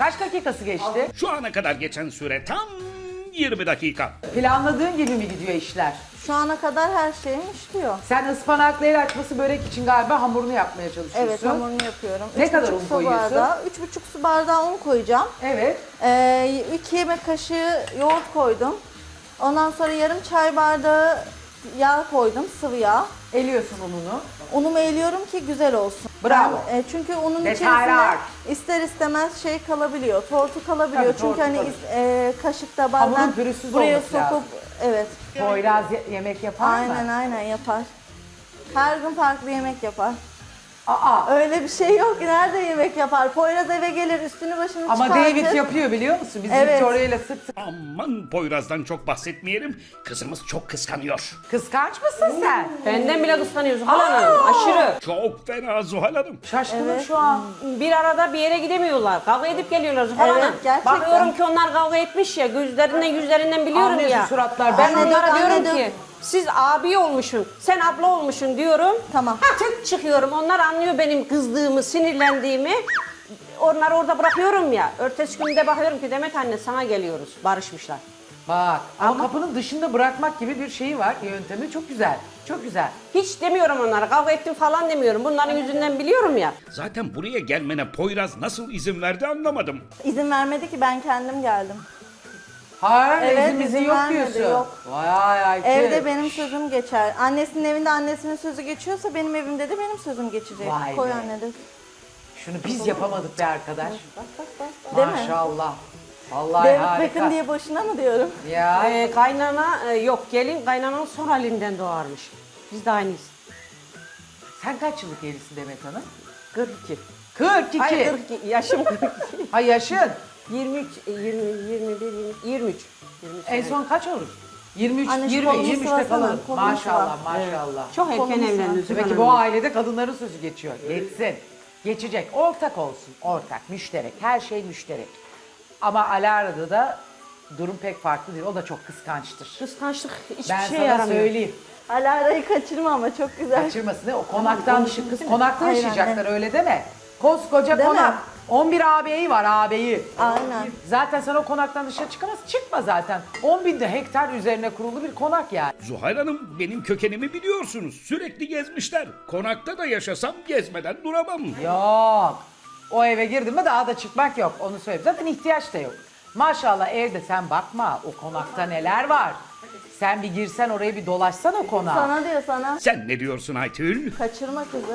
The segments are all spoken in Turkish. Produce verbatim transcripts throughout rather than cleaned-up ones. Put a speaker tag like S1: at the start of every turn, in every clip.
S1: Kaç dakikası geçti?
S2: Şu ana kadar geçen süre tam yirmi dakika.
S1: Planladığın gibi mi gidiyor işler?
S3: Şu ana kadar her şeyim işliyor.
S1: Sen ıspanaklı el açması börek için galiba hamurunu yapmaya çalışıyorsun.
S3: Evet, hamurunu yapıyorum.
S1: Ne
S3: Üç
S1: kadar
S3: buçuk
S1: un
S3: su
S1: koyuyorsun?
S3: Bardağı, üç buçuk su bardağı un koyacağım.
S1: Evet.
S3: Ee, iki yemek kaşığı yoğurt koydum. Ondan sonra yarım çay bardağı yağ koydum, sıvı yağ.
S1: Eliyorsun ununu.
S3: Unumu eliyorum ki güzel olsun.
S1: Bravo.
S3: Ben, e, çünkü unun
S1: Detaylar.
S3: içerisinde ister istemez şey kalabiliyor, tortu kalabiliyor.
S1: Tabii,
S3: çünkü
S1: tortu
S3: hani
S1: tabii.
S3: is- e, kaşıkta bazen
S1: Hamurun pürüzsüz
S3: buraya
S1: olması
S3: sokup
S1: lazım.
S3: evet.
S1: Poyraz ye- yemek yapar mı?
S3: Aynen aynen yapar. Her gün farklı yemek yapar.
S1: Aa.
S3: Öyle bir şey yok ki nerede yemek yapar? Poyraz eve gelir üstünü başını
S1: Ama
S3: çıkartır.
S1: David yapıyor biliyor musun? Biz
S3: Evet.
S1: Victoria ile sık sık.
S2: Aman Poyraz'dan çok bahsetmeyelim. Kızımız çok kıskanıyor.
S1: Kıskanç mısın sen?
S4: Benden bile kıskanıyorsun Hanım, aşırı.
S2: Çok fena Zuhal Hanım.
S1: Şaşkınım
S3: Evet.
S1: şu an.
S4: Bir arada bir yere gidemiyorlar. Kavga edip geliyorlar Zuhal
S3: Evet,
S4: Hanım.
S3: gerçekten.
S4: Bakıyorum ki onlar kavga etmiş ya. Gözlerinden yüzlerinden biliyorum
S1: Anlıyorsun
S4: ya.
S1: suratlar.
S4: Ben
S3: Anne
S4: onlara
S3: dök,
S4: diyorum
S3: anne
S4: ki
S3: dök.
S4: siz abi olmuşsun, sen abla olmuşsun diyorum.
S3: Tamam.
S4: Tık çıkıyorum. Onlar anlıyor benim kızdığımı, sinirlendiğimi. Onları orada bırakıyorum ya. Ertesi günde bakıyorum ki Demet anne sana geliyoruz. Barışmışlar.
S1: Bak ama,
S4: Ama-
S1: kapının dışında bırakmak gibi bir şeyi var. Yöntemi çok güzel. Çok güzel.
S4: Hiç demiyorum onlara. Kavga ettim falan demiyorum. Bunların yüzünden biliyorum ya.
S2: Zaten buraya gelmene Poyraz nasıl izin verdi anlamadım.
S3: İzin vermedi ki ben kendim geldim.
S1: Hayır,
S3: Evet,
S1: izin bizi
S3: izin
S1: yok
S3: vermedi,
S1: diyorsun.
S3: yok.
S1: Vay Ayşe.
S3: Evde benim sözüm geçer. Annesinin evinde annesinin sözü geçiyorsa benim evimde de benim sözüm geçecek.
S1: Vay
S3: Koy
S1: be.
S3: anne de.
S1: Şunu biz yapamadık be arkadaş.
S3: Bak bak bak. Değil mi?
S1: Maşallah. Vallahi
S3: David
S1: harika.
S3: Beckham diye boşuna mı diyorum?
S1: Ya.
S4: Ee, kaynana e, yok gelin kaynananın son halinden doğarmış. Biz de aynıyız.
S1: Sen kaç yıllık evlisin Demet Hanım?
S4: kırk iki.
S1: kırk iki.
S4: Hayır kırk iki. Yaşım kırk iki.
S1: Ha yaşın.
S4: yirmi üç, yirmi, yirmi bir, yirmi, yirmi üç. yirmi üç
S1: En
S4: sene.
S1: son kaç olur? yirmi üç,
S3: Anne şu
S1: yirmi,
S3: kolumu
S1: yirmi üçte
S3: sıvasana,
S1: kalalım.
S3: kolumu
S1: Maşallah,
S3: sıva.
S1: maşallah.
S4: Çok erken
S3: Kolunu
S4: evlendiniz.
S1: Demek ki bu ailede kadınların sözü geçiyor. Geçsin. Geçecek. Ortak olsun. Ortak, müşterek. Her şey müşterek. Ama Alara'da da durum pek farklı değil. O da çok kıskançtır.
S4: Kıskançlık hiçbir
S1: Ben
S4: şey
S1: sana
S4: yaramıyor.
S1: söyleyeyim.
S3: Alara'yı kaçırma ama çok güzel.
S1: Kaçırmasın değil mi? O konaktan dışı kız konakta
S3: Hayır
S1: yaşayacaklar
S3: anne.
S1: öyle deme. Koskoca
S3: Değil mi?
S1: konak. on bir ağabeyi var ağabeyi.
S3: Aynen.
S1: Zaten sen o konaktan dışarı çıkamaz. Çıkma zaten. on binde hektar üzerine kurulu bir konak yani.
S2: Zuhal Hanım benim kökenimi biliyorsunuz. Sürekli gezmişler. Konakta da yaşasam gezmeden duramam.
S1: Yok. O eve girdin mi daha da çıkmak yok. Onu söyleyeyim. Zaten ihtiyaç da yok. Maşallah evde sen bakma. O konakta neler var. Sen bir girsen oraya bir dolaşsan o konağa.
S3: Sana diyor sana.
S2: Sen ne diyorsun Aytül?
S3: Kaçırma kızı.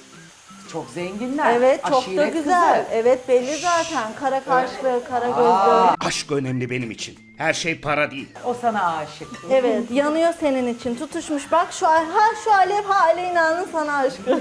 S1: Çok zenginler.
S3: Evet çok da
S1: aşiret
S3: güzel.
S1: kızı.
S3: Evet belli zaten. Kara kaşlı, kara gözlü.
S2: Aşk önemli benim için. Her şey para değil.
S1: O sana aşık.
S3: Evet yanıyor senin için. Tutuşmuş bak şu ha şu alev ha Aleyna'nın sana aşkı.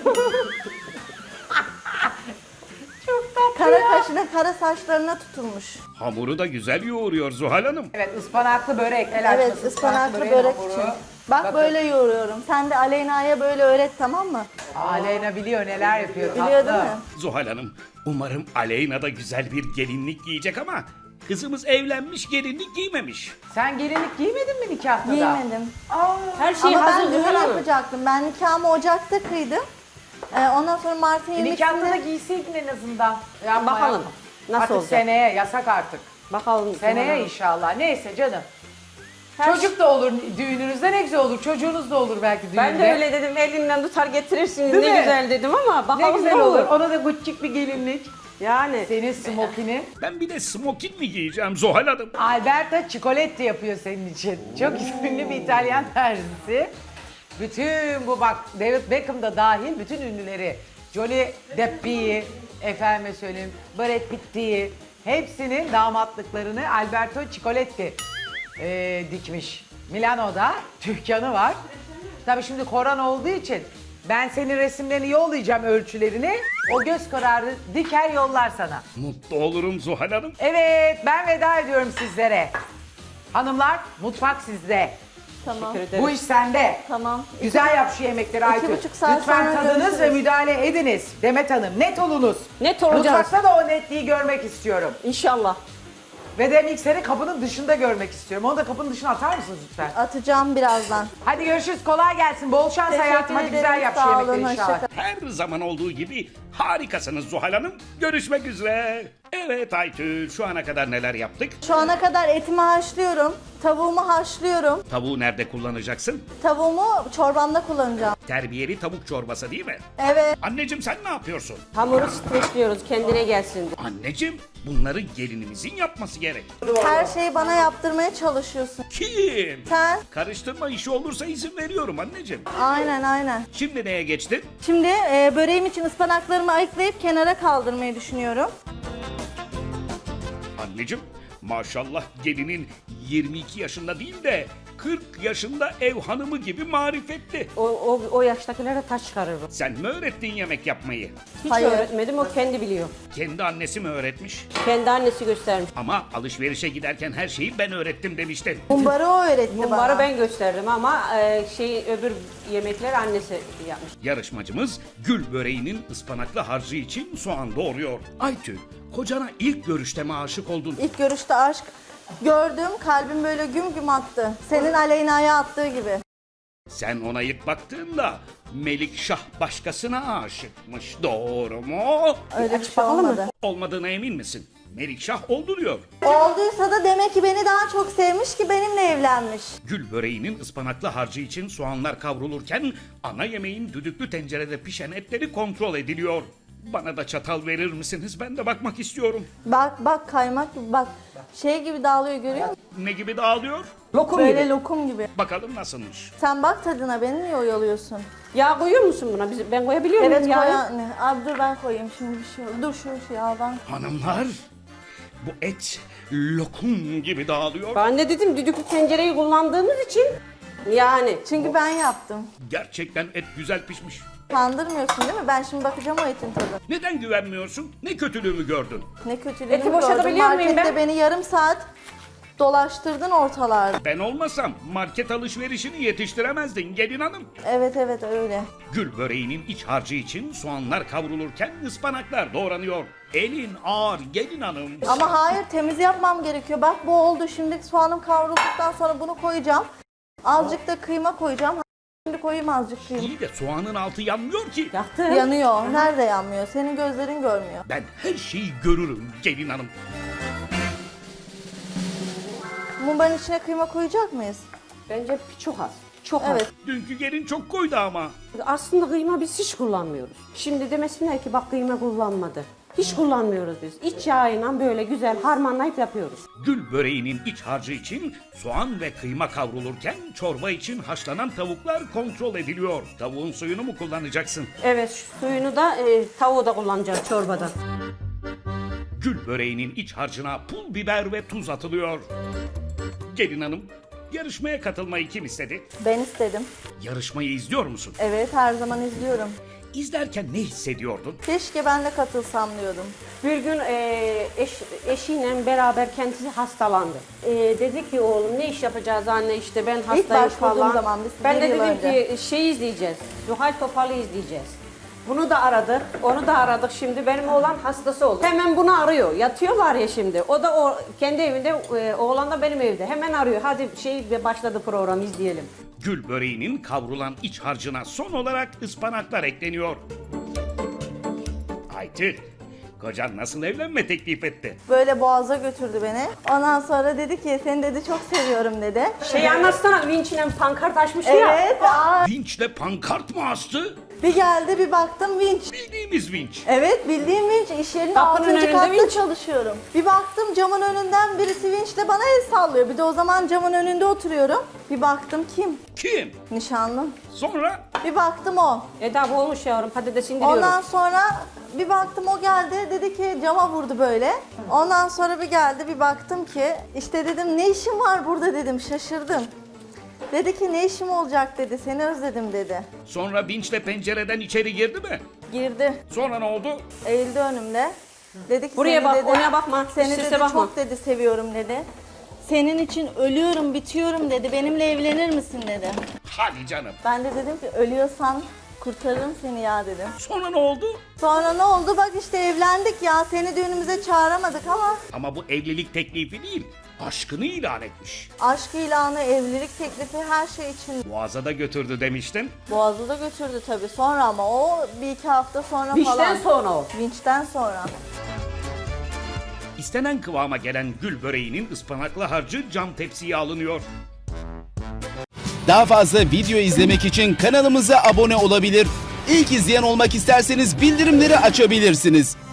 S1: Çok tatlı
S3: Kara
S1: ya.
S3: kaşına, kara saçlarına tutulmuş.
S2: Hamuru da güzel yoğuruyor Zuhal Hanım.
S1: Evet ıspanaklı börek. El
S3: Evet
S1: açması
S3: ıspanaklı
S1: böreğin
S3: börek
S1: hamuru.
S3: için. Bak
S1: Bakın,
S3: böyle yoğuruyorum. Sen de Aleyna'ya böyle öğret tamam mı?
S1: Aleyna biliyor neler yapıyor.
S3: Biliyor
S1: tatlı.
S3: değil mi?
S2: Zuhal Hanım umarım Aleyna da güzel bir gelinlik giyecek ama kızımız evlenmiş gelinlik giymemiş.
S1: Sen gelinlik giymedin mi nikahta da?
S3: Giymedim.
S1: Aa,
S4: Her şey
S3: Ama ben
S4: hazır
S3: düğün
S4: Zuhal Hanım.
S3: yapacaktım. Ben nikahımı Ocak'ta kıydım. Ee, ondan sonra Mart'ın
S1: e, nikahta da
S3: yirmisinde...
S1: giyseydin en azından. Yapma,
S4: Bakalım,
S1: yapma.
S4: nasıl
S1: artık
S4: olacak?
S1: seneye yasak artık.
S4: Bakalım. Zuhal
S1: Seneye
S4: Hanım.
S1: inşallah. Neyse canım.
S3: Her
S1: Çocuk da olur düğününüzde ne güzel olur. Çocuğunuz da olur belki düğünde.
S4: Ben de öyle dedim elinden tutar getirirsiniz
S1: Değil
S4: ne
S1: mi?
S4: güzel dedim ama
S1: Ne
S4: bakalım
S1: güzel olur. Ona da guccik bir gelinlik.
S4: Yani.
S1: Senin smokini.
S2: Ben bir de smokin mi giyeceğim Zuhal Hanım?
S1: Alberto Cicoletti yapıyor senin için. Çok ünlü bir İtalyan terzisi. Bütün bu bak David Beckham da dahil bütün ünlüleri. Johnny Depp'i, efendime söyleyeyim, Brad Pitt'i, hepsinin damatlıklarını Alberto Cicoletti eee, dikmiş. Milano'da dükkanı var. Tabii şimdi korona olduğu için ben senin resimlerini yollayacağım ölçülerini. O göz kararı diker yollar sana.
S2: Mutlu olurum Zuhal Hanım.
S1: Evet, ben veda ediyorum sizlere. Hanımlar, mutfak sizde.
S3: Tamam.
S1: Bu iş sende.
S3: Tamam.
S1: Güzel yap şu yemekleri Aytül.
S3: buçuk saat
S1: Lütfen
S3: sonra
S1: tadınız
S3: görüşürüz.
S1: ve müdahale ediniz. Demet Hanım, net olunuz.
S4: Net olacağız.
S1: Mutfakta da o netliği görmek istiyorum.
S4: İnşallah.
S1: Ve de mikseri kapının dışında görmek istiyorum. Onu da kapının dışına atar mısınız lütfen?
S3: Atacağım birazdan.
S1: Hadi görüşürüz, kolay gelsin. Bol şans
S3: Teşekkür
S1: hayatım. Hadi güzel
S3: ederim,
S1: yap şu
S3: sağ olun,
S1: yemekleri
S3: hoşça
S1: inşallah.
S3: kalın.
S2: Her zaman olduğu gibi harikasınız Zuhal Hanım. Görüşmek üzere. Evet Aytül, şu ana kadar neler yaptık?
S3: Şu ana kadar etimi haşlıyorum. Tavuğumu haşlıyorum.
S2: Tavuğu nerede kullanacaksın?
S3: Tavuğumu çorbamda kullanacağım.
S2: Terbiyeli tavuk çorbası değil mi?
S3: Evet.
S2: Anneciğim sen ne yapıyorsun?
S4: Hamuru streçliyoruz kendine gelsin diye.
S2: Anneciğim, bunları gelinimizin yapması gerek.
S3: Her şeyi bana yaptırmaya çalışıyorsun.
S2: Kim?
S3: Sen?
S2: Karıştırma işi olursa izin veriyorum anneciğim.
S3: Aynen aynen.
S2: Şimdi neye geçtin?
S3: Şimdi e, böreğim için ıspanaklarımı ayıklayıp kenara kaldırmayı düşünüyorum.
S2: Anneciğim, maşallah gelinin yirmi iki yaşında değil de kırk yaşında ev hanımı gibi marifetli.
S4: O, o, o yaştakilere taş çıkarır o.
S2: Sen mi öğrettin yemek yapmayı?
S4: Hiç
S3: Hayır.
S4: öğretmedim, o kendi biliyor.
S2: Kendi annesi mi öğretmiş?
S4: Kendi annesi göstermiş.
S2: Ama alışverişe giderken her şeyi ben öğrettim demiştin.
S3: Mumbarı o öğretti bana.
S4: Bunları ben gösterdim ama e, şey öbür yemekler annesi yapmış.
S2: Yarışmacımız gül böreğinin ıspanaklı harcı için soğan doğuruyor. Aytül, kocana ilk görüşte mi aşık oldun?
S3: İlk görüşte aşk gördüm, kalbim böyle güm güm attı. Senin Aleyna'ya attığı gibi.
S2: Sen ona ilk baktığında Melikşah başkasına aşıkmış. Doğru mu?
S3: Öyle bir şey olmadı.
S2: Olmadığına emin misin? Melikşah oldu diyor.
S3: Olduysa da demek ki beni daha çok sevmiş ki benimle evlenmiş.
S2: Gül böreğinin ıspanaklı harcı için soğanlar kavrulurken ana yemeğin düdüklü tencerede pişen etleri kontrol ediliyor. Bana da çatal verir misiniz? Ben de bakmak istiyorum.
S3: Bak bak kaymak gibi bak. Şey gibi dağılıyor görüyor musun?
S2: Ne gibi dağılıyor?
S4: Lokum
S3: Böyle
S4: gibi.
S3: lokum gibi.
S2: Bakalım nasılmış.
S3: Sen bak tadına, beni niye oyalıyorsun?
S4: Yağ koyuyor musun buna? Biz, ben koyabiliyor muyum
S3: Evet
S4: yağı?
S3: koy anne. Abi dur ben koyayım şimdi bir şey. Dur şu şey al ben.
S2: Hanımlar, bu et lokum gibi dağılıyor.
S4: Ben de dedim düdüklü tencereyi kullandığımız için yani.
S3: Çünkü ben yaptım.
S2: Gerçekten et güzel pişmiş.
S3: Kandırmıyorsun değil mi? Ben şimdi bakacağım o etin tadına.
S2: Neden güvenmiyorsun? Ne kötülüğümü gördün?
S3: Ne kötülüğünü
S4: Eti boşaltabiliyor
S3: gördüm.
S4: muyum
S3: Markette
S4: ben?
S3: beni yarım saat dolaştırdın ortalarda.
S2: Ben olmasam market alışverişini yetiştiremezdin gelin hanım.
S3: Evet evet öyle.
S2: Gül böreğinin iç harcı için soğanlar kavrulurken ıspanaklar doğranıyor. Elin ağır gelin hanım.
S3: Ama hayır, temiz yapmam gerekiyor. Bak bu oldu. Şimdi soğanım kavrulduktan sonra bunu koyacağım. Azıcık da kıyma koyacağım. Şimdi koyayım azıcık kıyma.
S2: İyi de soğanın altı yanmıyor ki.
S4: Yaktım.
S3: Yanıyor. Nerede yanmıyor? Senin gözlerin görmüyor.
S2: Ben her şeyi görürüm gelin hanım.
S3: Mumbarın içine kıyma koyacak mıyız?
S4: Bence çok az. Çok az.
S3: Evet.
S2: Dünkü gelin çok koydu ama.
S4: Aslında kıyma biz hiç kullanmıyoruz. Şimdi demesinler ki bak kıyma kullanmadı. Hiç kullanmıyoruz biz. İç yağıyla böyle güzel harmanlayıp yapıyoruz.
S2: Gül böreğinin iç harcı için soğan ve kıyma kavrulurken çorba için haşlanan tavuklar kontrol ediliyor. Tavuğun suyunu mu kullanacaksın?
S4: Evet, şu suyunu da e, tavuğu da kullanacağız çorbada.
S2: Gül böreğinin iç harcına pul biber ve tuz atılıyor. Gelin hanım, yarışmaya katılmayı kim istedi?
S3: Ben istedim.
S2: Yarışmayı izliyor musun?
S3: Evet, her zaman izliyorum.
S2: İzlerken ne hissediyordun?
S3: Keşke ben de katılsam diyordum.
S4: Bir gün e, eş, eşiyle beraber kendisi hastalandı. E, dedi ki oğlum ne iş yapacağız anne işte ben hastayım
S3: başvurduğum
S4: falan.
S3: zaman, biz
S4: ben de
S3: bir yıl
S4: dedim
S3: önce.
S4: ki şey izleyeceğiz. Zuhal Topal'ı izleyeceğiz. Bunu da aradık, onu da aradık şimdi. Benim oğlan hastası oldu. Hemen bunu arıyor. Yatıyor var ya şimdi. O da o kendi evinde, e, oğlan da benim evde. Hemen arıyor. Hadi şey başladı program izleyelim.
S2: Gül böreğinin kavrulan iç harcına son olarak ıspanaklar ekleniyor. Aytül, kocan nasıl evlenme teklif etti?
S3: Böyle boğaza götürdü beni. Ondan sonra dedi ki seni dedi çok seviyorum dedi.
S4: Şey anlatsana vinçle pankart açmıştı ya.
S3: Evet. Aa,
S2: Vinçle pankart mı astı?
S3: bir geldi bir baktım vinç.
S2: Bildiğimiz vinç.
S3: Evet, bildiğim vinç. İş yerinin
S4: Kapının
S3: altıncı
S4: önünde
S3: katta
S4: vinç.
S3: çalışıyorum. Bir baktım camın önünden birisi vinçle bana el sallıyor. Bir de o zaman camın önünde oturuyorum. Bir baktım kim?
S2: Kim?
S3: Nişanlım.
S2: Sonra
S3: Bir baktım o.
S4: Eda bu olmuş yavrum patates indiriyorum.
S3: Ondan sonra bir baktım o geldi, dedi ki cama vurdu böyle. Ondan sonra bir geldi, bir baktım ki işte dedim ne işin var burada dedim, şaşırdım. Dedi ki ne işim olacak dedi, seni özledim dedi.
S2: sonra vinçle pencereden içeri girdi mi?
S3: Girdi,
S2: Sonra ne oldu?
S3: eğildi önümde. Dedi ki
S4: Buraya
S3: seni
S4: bak,
S3: dedi,
S4: oraya bakma,
S3: Seni
S4: üst üste
S3: dedi
S4: bakma.
S3: çok dedi seviyorum dedi. Senin için ölüyorum, bitiyorum dedi. Benimle evlenir misin dedi.
S2: Hadi canım.
S3: Ben de dedim ki ölüyorsan kurtarırım seni ya dedim.
S2: Sonra ne oldu?
S3: Sonra ne oldu? Bak işte evlendik ya. Seni düğünümüze çağıramadık ama
S2: Ama bu evlilik teklifi değil, aşkını ilan etmiş.
S3: aşk ilanı, evlilik teklifi her şey için
S2: Boğaz'a da götürdü demiştin.
S3: Boğaz'ı da götürdü tabii. Sonra ama o bir iki hafta sonra
S4: Vinçten
S3: falan.
S4: sonra o.
S3: Vinçten sonra.
S2: İstenen kıvama gelen gül böreğinin ıspanaklı harcı cam tepsiye alınıyor.
S5: Daha fazla video izlemek için kanalımıza abone olabilir. İlk izleyen olmak isterseniz bildirimleri açabilirsiniz.